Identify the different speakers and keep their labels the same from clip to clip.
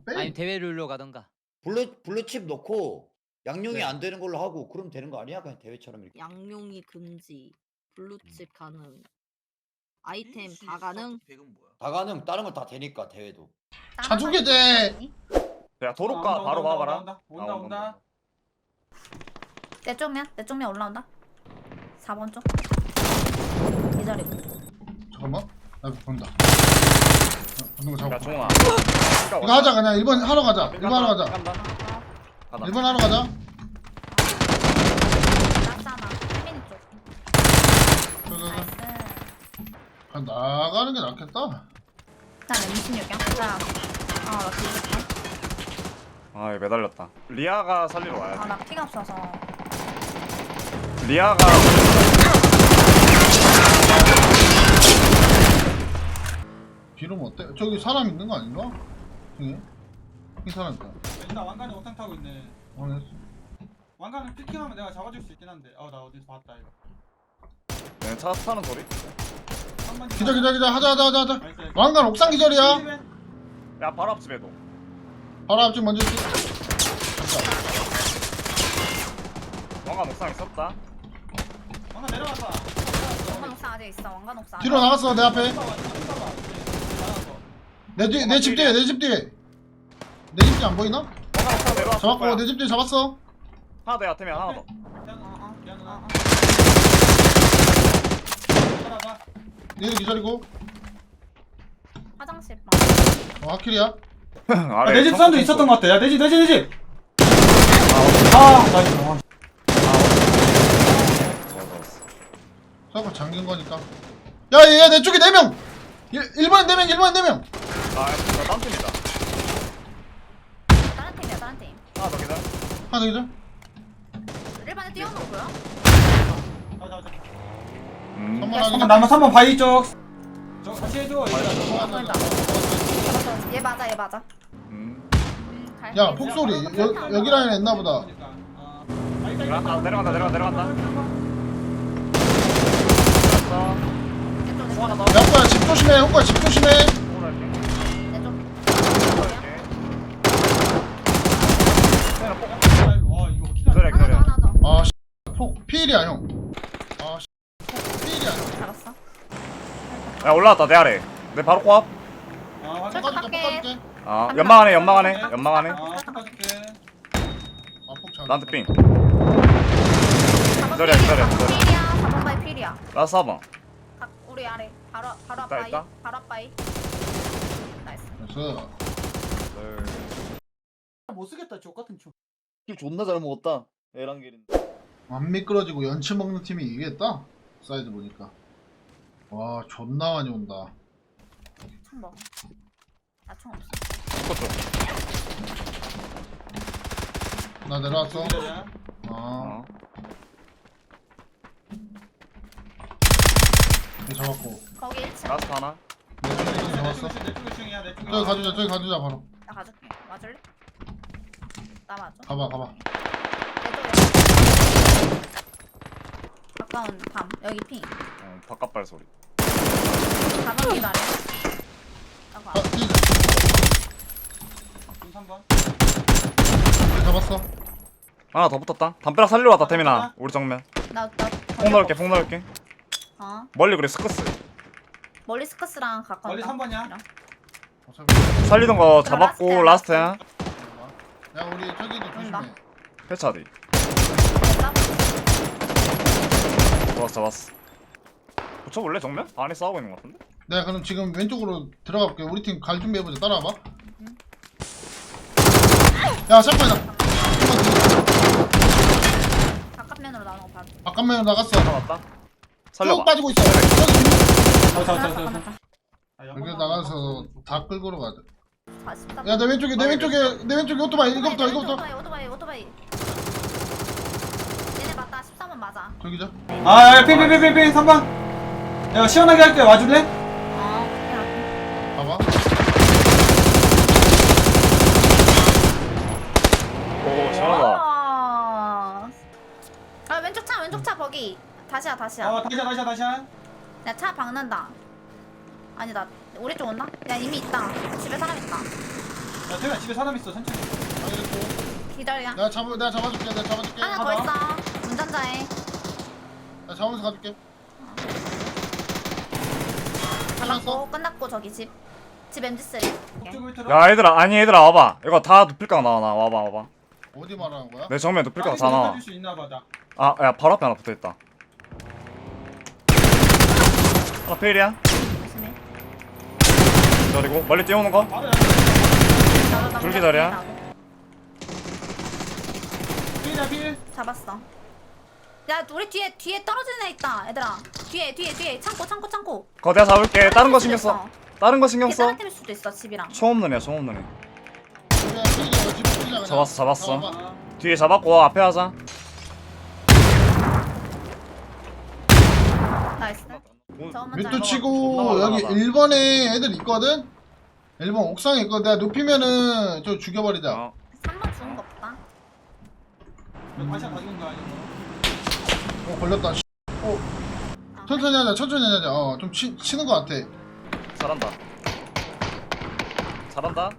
Speaker 1: 아니 대회 룰로 가던가.
Speaker 2: 블루칩 넣고 양용이
Speaker 1: 네.
Speaker 2: 안 되는 걸로 하고 그럼 되는 거 아니야? 그냥 대회처럼 이렇게.
Speaker 3: 양용이 금지, 블루칩 가능, 아이템 다 가능.
Speaker 2: 다 가능. 다른 건 다 되니까 대회도.
Speaker 4: 자주게 돼.
Speaker 5: 야 도로가 바로 봐봐라.
Speaker 6: 온다.
Speaker 7: 내 쪽면 올라온다. 4번 쪽. 기다리고.
Speaker 4: 잠깐만. 나 본다. 보는 거
Speaker 5: 야
Speaker 4: 잡고.
Speaker 5: 종훈아.
Speaker 4: 이거 하자 그냥 1번 하러 가자. 1번 하러 가자.
Speaker 5: 간다.
Speaker 4: 1번 하러 가자.
Speaker 7: 나잖아. 혜민이 쪽. 나이스.
Speaker 4: 그냥 나가는 게 낫겠다.
Speaker 7: 나 M16이야. 자. 나 뒤졌다.
Speaker 5: 아 이거 매달렸다. 리아가 살리러 와야지.
Speaker 7: 나 피가 없어서.
Speaker 5: 리아가
Speaker 4: 비름 어때? 저기 사람 있는 거 아닌가? 중에? 이 사람 있다.
Speaker 6: 일단 왕관이 옥상 타고 있네.
Speaker 4: 확인했어.
Speaker 6: 왕관을 피킹하면 내가 잡아줄 수 있긴 한데. 나 어디서 봤다 이거.
Speaker 5: 얘네 차 타는 소리.
Speaker 4: 기자 하자.
Speaker 6: 나이스.
Speaker 4: 왕관 옥상 기절이야.
Speaker 5: 야 바로 앞집에도.
Speaker 4: 바로 앞집 먼저 지
Speaker 5: 왕관 옥상 있었다.
Speaker 6: 왕관 내려왔다.
Speaker 7: 왕관 옥상 아직 있어. 왕관 옥상.
Speaker 4: 뒤로 나갔어 내 앞에. 내 집 뒤에 내 집 뒤에. 내 집 뒤에 안 보이나?
Speaker 5: 왕관 옥상 내려왔어.
Speaker 4: 잡았고 내 집 뒤에 잡았어.
Speaker 5: 하나 더 야태면 하나 더.
Speaker 4: 얘도 기절이고.
Speaker 7: 화장실 방.
Speaker 4: 하킬이야.
Speaker 5: 아래
Speaker 6: 내 집 사운드 있었던 것 같아. 야, 내 집. 나이스.
Speaker 4: 자꾸 잠긴 거니까. 야, 내 쪽에 4명! 1번에 4명!
Speaker 5: 아 딴 팀이다.
Speaker 7: 다른 팀이야, 다른 팀.
Speaker 5: 하나 더 기다려.
Speaker 4: 하나 더 기절?
Speaker 7: 1번에 뛰어놓은 거야?
Speaker 4: 선물 하기.
Speaker 6: 나만 3번 바위 쪽. 저 같이 해줘.
Speaker 7: 보인다. 얘 맞아. 갈게.
Speaker 4: 야, 폭소리. 여기 라인에 있나보다.
Speaker 5: 내려간다. 내려간다.
Speaker 7: 내 쪽.
Speaker 4: 야, 오빠야, 집 조심해. 오빠야, 집 조심해.
Speaker 7: 내 쪽.
Speaker 5: 기다려.
Speaker 7: 하나 더.
Speaker 4: 아, 피일이야, 형. 아, 피일이야, 형.
Speaker 7: 잡았어.
Speaker 5: 야 올라왔다 내 아래. 내 바로 코앞.
Speaker 7: 깎아줄게.
Speaker 5: 아 연막 안에.
Speaker 6: 아, 바꿔줄게.
Speaker 4: 아, 폭
Speaker 5: 나한테 삥.
Speaker 7: 4번
Speaker 5: 기다려.
Speaker 7: 필이야. 4번 바이 필이야.
Speaker 5: 라스 4번.
Speaker 7: 우리 아래. 바로
Speaker 5: 있다.
Speaker 7: 앞바이. 바로 앞바이. 나이스.
Speaker 4: 그래서
Speaker 6: 못 쓰겠다. 족 같은 총.
Speaker 5: 존나 잘 먹었다. 에란길인.
Speaker 4: 안 미끄러지고 연치 먹는 팀이 이기겠다. 사이즈 보니까. 와, 존나 많이 온다.
Speaker 7: 총 먹어. 나 총 없어.
Speaker 4: 나 내려왔어.
Speaker 6: 기다려.
Speaker 4: 아, 이거 잡았고.
Speaker 7: 거기 1층.
Speaker 5: 라스트 하나.
Speaker 4: 내 쪽에 잡았어.
Speaker 6: 내 쪽에 중이야. 내 쪽에.
Speaker 4: 저기 가주자, 바로.
Speaker 7: 나 가줄게. 맞을래? 나 맞아.
Speaker 4: 가봐.
Speaker 7: 내 쪽에. 가까운 밤. 여기 핑.
Speaker 5: 바깥발 소리.
Speaker 7: 4번 기다려. 나가.
Speaker 4: 아, 뛰자.
Speaker 6: 3번.
Speaker 4: 잡았어.
Speaker 5: 하나 더 붙었다. 담벼락 살리러 왔다 태민아. 우리 정면. 폭 넣을게. 멀리 그래 스커스.
Speaker 7: 멀리 스커스랑 가까운.
Speaker 6: 멀리 3번이야.
Speaker 5: 살리던 거 잡았고 라스트야.
Speaker 4: 야, 우리 저기도
Speaker 7: 온다.
Speaker 4: 조심해.
Speaker 5: 패차디. 잡았어. 붙여볼래 정면? 안에 싸우고 있는 거 같은데?
Speaker 4: 내가 그럼 지금 왼쪽으로 들어가 볼게. 우리 팀 갈 준비해보자. 따라와봐. 야, 샷건이다.
Speaker 7: 바깥면으로 나오는 거 봐줘.
Speaker 4: 바깥면으로 나갔어.
Speaker 5: 잡았다.
Speaker 4: 쭉
Speaker 5: 살려봐.
Speaker 4: 빠지고 있어.
Speaker 6: 잡았어.
Speaker 4: 여기 나가서 다 끌고 가자.
Speaker 7: 43.
Speaker 4: 야, 내 왼쪽에 오토바이. 이거부터.
Speaker 7: 오토바이. 얘네 맞다. 13번 맞아.
Speaker 4: 저기죠.
Speaker 6: 야, 핑 3번. 야, 시원하게 할게. 와줄래?
Speaker 4: 봐봐.
Speaker 5: 오 시원하다.
Speaker 7: 아, 왼쪽 차 거기. 다시야.
Speaker 6: 다시야.
Speaker 7: 야, 차 박는다. 아니다. 우리 쪽 온다? 야, 이미 있다. 집에 사람 있다.
Speaker 6: 야 태민아 집에 사람 있어 천천히.
Speaker 4: 알겠고.
Speaker 7: 기다려.
Speaker 4: 내가 잡아줄게. 내가 잡아줄게.
Speaker 7: 하나 더 있어. 운전자에.
Speaker 4: 나 잡으면서 가줄게.
Speaker 7: 잡았고 끝났고 저기 집. 집 MG3.
Speaker 6: 북쪽 밑으로.
Speaker 5: 야 얘들아 아니 얘들아 와봐. 이거 다 눕힐까 나와 나 와봐.
Speaker 4: 어디 말하는 거야?
Speaker 5: 내 정면 눕힐까 다 나와.
Speaker 6: 수 있나 보다.
Speaker 5: 아 야 바로 앞에 하나 붙어있다. 하나 페일이야.
Speaker 7: 조심해.
Speaker 5: 기다리고 멀리 뛰어오는 거.
Speaker 6: 바로
Speaker 5: 둘 기다려.
Speaker 6: 필이야 필.
Speaker 7: 잡았어. 야 우리 뒤에 떨어지는 애 있다 얘들아. 뒤에 창고.
Speaker 5: 그거 내가 잡을게. 다른 거 신경 써. 다른 거 신경 써.
Speaker 7: 다른 팀일 수도 있어 집이랑.
Speaker 5: 총 없는 애야 총 없는 애.
Speaker 4: 그냥 튀기자, 집 튀기자, 그냥.
Speaker 5: 잡았어.
Speaker 4: 잡아봐.
Speaker 5: 뒤에 잡았고 앞에 하자.
Speaker 7: 나이스.
Speaker 4: 뮤트 치고 여기 1번에 애들 있거든? 1번 옥상에 있거든. 내가 눕히면은 저 죽여버리자.
Speaker 5: 어.
Speaker 7: 3번 죽은 거 없다.
Speaker 6: 다시 한 가져온 거 아니야?
Speaker 4: 걸렸다. 씨. 천천히 하자. 좀 치는 거 같아.
Speaker 5: 잘한다.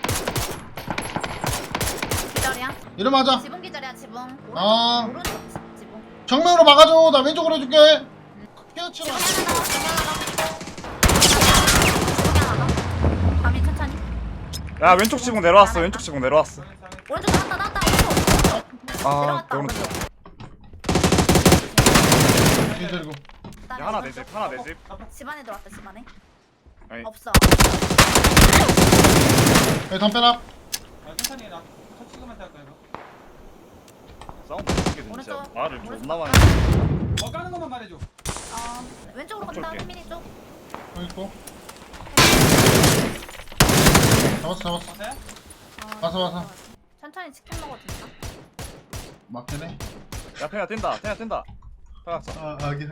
Speaker 7: 기다려.
Speaker 4: 이러면 하자.
Speaker 7: 지붕 기다려 지붕.
Speaker 4: 아.
Speaker 7: 오른쪽 지붕.
Speaker 4: 정면으로 막아줘. 나 왼쪽으로 해줄게. 피어치러.
Speaker 7: 지붕 하나 더. 밤이 천천히.
Speaker 5: 야 왼쪽 지붕 내려왔어. 왼쪽 지붕 내려왔어.
Speaker 7: 오른쪽 나왔다. 오른쪽.
Speaker 5: 아
Speaker 7: 내려갔다,
Speaker 5: 오른쪽.
Speaker 4: 기다리고.
Speaker 5: 야 하나 내 집. 하나 내 집.
Speaker 7: 집 안에 들어왔다 집 안에.
Speaker 5: 아니.
Speaker 7: 없어.
Speaker 4: 여기 담벼락.
Speaker 6: 아 천천히 나 터치기만 할까 이거.
Speaker 5: 사운드 어떻게 진짜
Speaker 7: 오른쪽.
Speaker 5: 말을
Speaker 7: 오른쪽.
Speaker 5: 존나 많이.
Speaker 6: 뭐 까는 것만 말해줘.
Speaker 7: 왼쪽으로 간다.
Speaker 5: 쏠게.
Speaker 7: 휘민이 쪽.
Speaker 4: 여기 있고. 잡았어.
Speaker 6: 봤어요?
Speaker 4: 와서.
Speaker 7: 천천히 치킨 먹어도 된다.
Speaker 4: 맞긴 해.
Speaker 5: 야 태야 뛴다. 파각자.
Speaker 4: 하긴.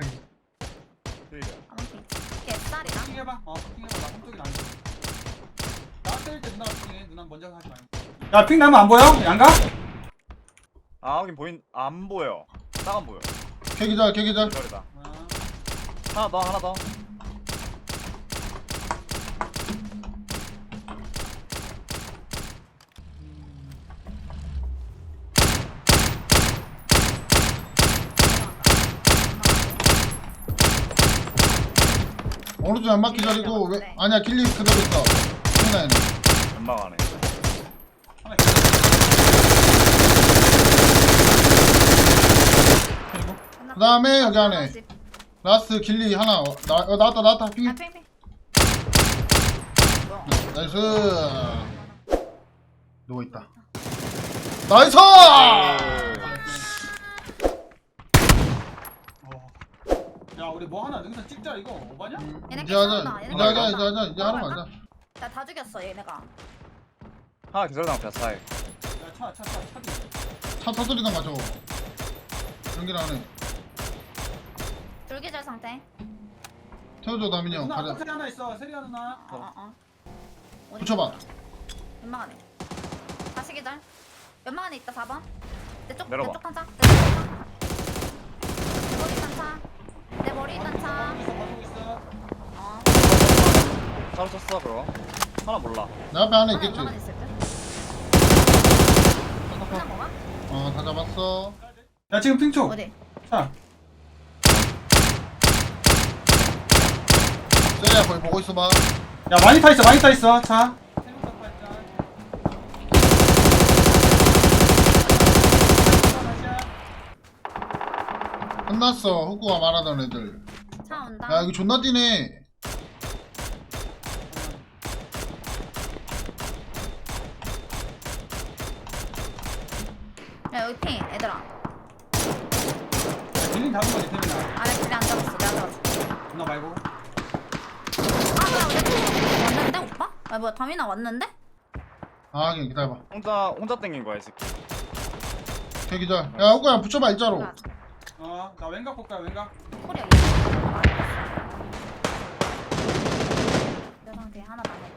Speaker 7: 아무튼 개쌀이다.
Speaker 6: 커팅해봐. 커팅해봐. 나 한쪽이 안 돼. 나 때릴 때 누나가 커팅해. 누나 먼저 하지 말고. 야핑 나면 안 보여? 양가?
Speaker 5: 아 하긴 안 보여. 딱 안 보여.
Speaker 4: 개기절.
Speaker 5: 기다리다. 하나 더.
Speaker 4: 오른쪽 연막 기절이고 아니야 길리 그대로 있어. 하나에는.
Speaker 5: 연막 안에.
Speaker 6: 하나
Speaker 4: 그 다음에 여기 안에 라스트 길리 하나. 나왔다. 핑.
Speaker 7: 핑.
Speaker 4: 나이스. 누워있다. 나이스!
Speaker 6: 야 우리 뭐 하나 능선 찍자 이거 오바냐?
Speaker 4: 이제 하러 가자.
Speaker 7: 나 다 죽였어 얘네가.
Speaker 5: 하나 기다리다 앞에 차에.
Speaker 6: 야차
Speaker 4: 차 터뜨리던가 저거. 연기를 안 해.
Speaker 7: 줄기절 상태.
Speaker 4: 태워줘 다민이 형.
Speaker 6: 누나
Speaker 4: 가자.
Speaker 6: 포켓 하나 있어 세리아 누나.
Speaker 4: 붙여봐.
Speaker 7: 연막 안에. 다시 기절. 연막 안에 있다 4번.
Speaker 5: 내려봐.
Speaker 7: 내쪽 한 차. 내 머리 있던 차.
Speaker 6: 버리고 있어.
Speaker 5: 차로 쳤어 그거. 하나 몰라.
Speaker 4: 내 앞에 하나 있겠지.
Speaker 7: 연막 있을 듯. 하나 먹어?
Speaker 4: 다 잡았어.
Speaker 6: 야 지금 핑초.
Speaker 7: 어디?
Speaker 6: 자.
Speaker 4: 세리야 거기 보고 있어봐.
Speaker 6: 야 많이 타 있어 차.
Speaker 4: 끝났어. 후쿠가 말하던 애들.
Speaker 7: 차 온다.
Speaker 4: 야 여기 존나 뛰네.
Speaker 7: 야 여기 핑 얘들아.
Speaker 6: 빌린 잡은 거지 태민아.
Speaker 7: 아래 길에 안 잡았어. 내가 잡았어.
Speaker 6: 누나 말고.
Speaker 7: 뭐야 왔는데 오빠? 뭐야 다민아 왔는데?
Speaker 4: 하긴 기다려봐.
Speaker 5: 혼자 땡긴 거야 이 새끼.
Speaker 4: 개기절. 야 후쿠야 붙여봐 일자로.
Speaker 6: 나 왼각 볼까요 왼각?
Speaker 7: 코리아 내 상태 하나 남았다.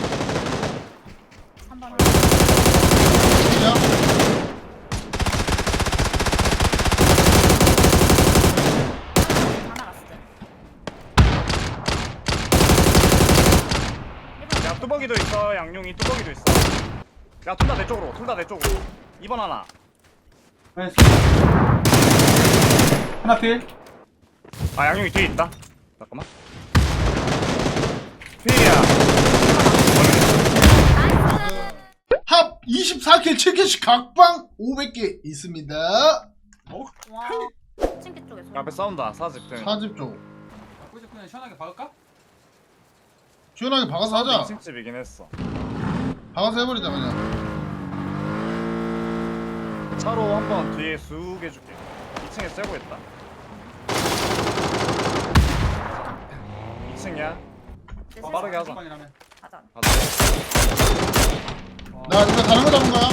Speaker 7: 3번
Speaker 4: 야.
Speaker 7: 하나 갔을 때.
Speaker 5: 야 뚜벅이도 있어. 양용이 뚜벅이도 있어. 야 둘 다 내 쪽으로. 둘 다 내 쪽으로. 2번 하나.
Speaker 6: 나이스. 하나 필.
Speaker 5: 아 양용이 뒤에 있다. 잠깐만. 필이야.
Speaker 4: 합 24킬 7킬씩 각방 500개 있습니다.
Speaker 7: 와. 층계 쪽에 소리.
Speaker 5: 앞에 싸운다. 사집 때문에.
Speaker 4: 사집 쪽
Speaker 6: 거기서 그냥 시원하게 박을까?
Speaker 4: 시원하게 박아서 하자.
Speaker 5: 2층 집이긴 했어.
Speaker 4: 박아서 해버리자 그냥.
Speaker 5: 차로 한번 뒤에 쑥 해줄게. 2층에 쐬고 있다. 2층이야. 빠르게 하자.
Speaker 6: 방이라면.
Speaker 7: 가자.
Speaker 5: 가자.
Speaker 4: 나 이거 다른 거 잡은 거야.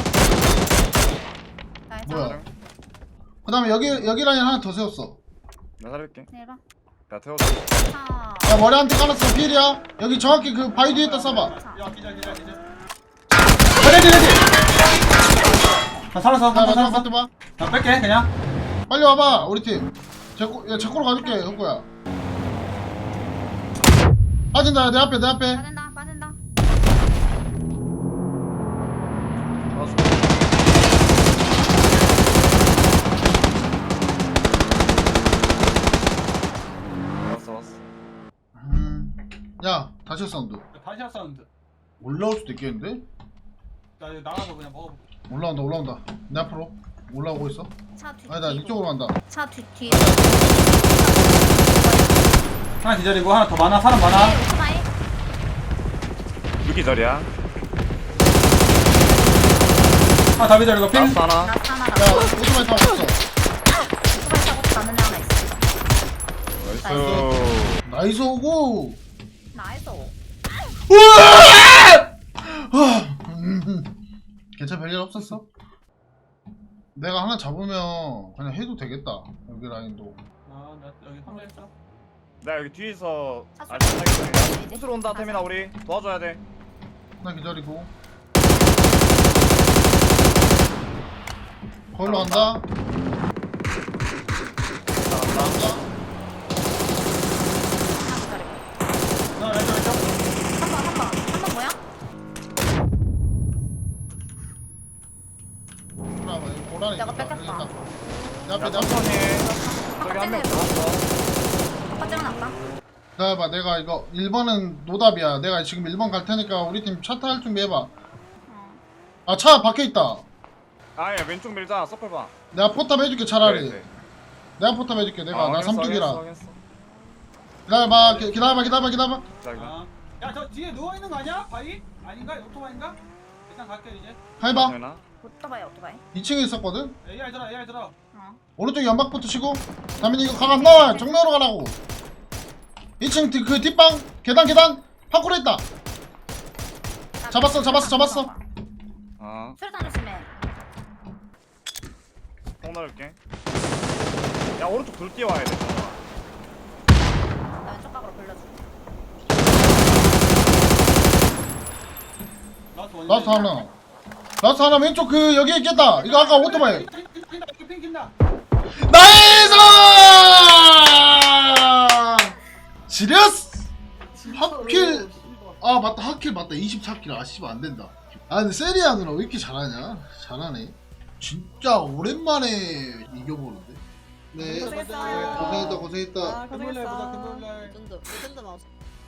Speaker 7: 나의
Speaker 4: 뭐야?
Speaker 7: 차.
Speaker 4: 그 다음에 여기 라인 하나 더 세웠어.
Speaker 5: 내가 살릴게.
Speaker 7: 내봐.
Speaker 5: 야 태워줘.
Speaker 7: 차.
Speaker 4: 야 머리 한 대 깔았어. 필이야. 여기 정확히 그 바위 뒤에다 쏴봐.
Speaker 7: 차.
Speaker 6: 야 기절. 레디. 나 살았어.
Speaker 4: 나
Speaker 6: 나
Speaker 4: 마지막
Speaker 6: 살았어.
Speaker 4: 파트 봐.
Speaker 6: 나 뺄게 그냥.
Speaker 4: 빨리 와봐 우리 팀. 제코로 가줄게 혁구야. 빠진다 내 앞에.
Speaker 7: 빠진다. 빠진다.
Speaker 5: 알았어. 왔어.
Speaker 4: 야 다시 사운드.
Speaker 6: 다시 한 사운드.
Speaker 4: 올라올 수도 있겠는데?
Speaker 6: 나 이거 나가서 그냥 먹어볼게.
Speaker 4: 올라온다. 내 앞으로 올라오고 있어.
Speaker 7: 차 뒤.
Speaker 4: 아니다 이쪽으로 간다.
Speaker 7: 차 뒤에.
Speaker 6: 하나 기절이고 하나 더 많아. 사람 많아.
Speaker 7: 오토바이.
Speaker 5: 6기절이야.
Speaker 6: 하나 더 기절이고 핑.
Speaker 5: 라스트 하나.
Speaker 7: 나 하나.
Speaker 4: 야 오토바이 타고 있어.
Speaker 7: 오토바이 타고 가는 애 하나 있어.
Speaker 5: 나이스.
Speaker 4: 나이스 오고.
Speaker 7: 나이스.
Speaker 4: 괜찮아 별일 없었어? 내가 하나 잡으면 그냥 해도 되겠다. 여기 라인도.
Speaker 6: 나 여기 혼자 있어.
Speaker 5: 나 여기 뒤에서
Speaker 7: 찼어.
Speaker 5: 알짱하게 호수로 온다. 태민아 우리 도와줘야 돼.
Speaker 4: 하나 기다리고. 거기로 간다.
Speaker 5: 나간다.
Speaker 6: 나 왼쪽.
Speaker 7: 한번 뭐야?
Speaker 4: 고라니.
Speaker 7: 내가 뺏겼다.
Speaker 4: 내 앞에
Speaker 5: 야
Speaker 4: 내 앞에.
Speaker 5: 천천히. 저기 한 명 들어왔어.
Speaker 7: 아빠 째려놨다.
Speaker 4: 기다려봐 내가 이거 1번은 노답이야. 내가 지금 1번 갈 테니까 우리 팀 차 탈 준비해봐. 아 차 밖에 있다.
Speaker 5: 아야 왼쪽 밀자. 서플 봐.
Speaker 4: 내가 포탑 해줄게 차라리.
Speaker 5: 네.
Speaker 4: 내가 포탑 해줄게. 내가 나
Speaker 5: 확인했어,
Speaker 4: 삼뚝이라.
Speaker 5: 확인했어.
Speaker 4: 기다려봐 기다려봐.
Speaker 5: 자 이거.
Speaker 6: 아. 야저 뒤에 누워 있는 거 아니야? 바위? 아닌가? 오토바인가? 일단 갈게 이제.
Speaker 4: 해봐.
Speaker 5: 태민아.
Speaker 7: 오토바이 오토바이.
Speaker 4: 2층에 있었거든.
Speaker 6: AI 들어.
Speaker 7: 어.
Speaker 4: 오른쪽 연막부터 치고. 다민이 이거 각 안 나와. 정면으로 가라고. 2층 그 뒷방 계단 파쿠로 있다. 잡았어.
Speaker 5: 어.
Speaker 7: 수류탄 조심해.
Speaker 5: 폭 넣을게. 야 오른쪽 돌 뛰어와야 돼.
Speaker 7: 나 왼쪽 각으로 돌려줘.
Speaker 4: 라스트 하나 왼쪽 그 여기 있겠다. 이거 아까 오토바이.
Speaker 6: 핑 긴다.
Speaker 4: 나이스! 지렸어! 하킬. 아 맞다 하킬 맞다 24킬. 아 씨발 안된다. 아 근데 세리아 누나 왜 이렇게 잘하냐? 잘하네. 진짜 오랜만에 이겨보는데. 네
Speaker 7: 고생했어요.
Speaker 4: 고생했다.
Speaker 6: 금요일날 보자 금요일날.
Speaker 3: 레전드 마우스.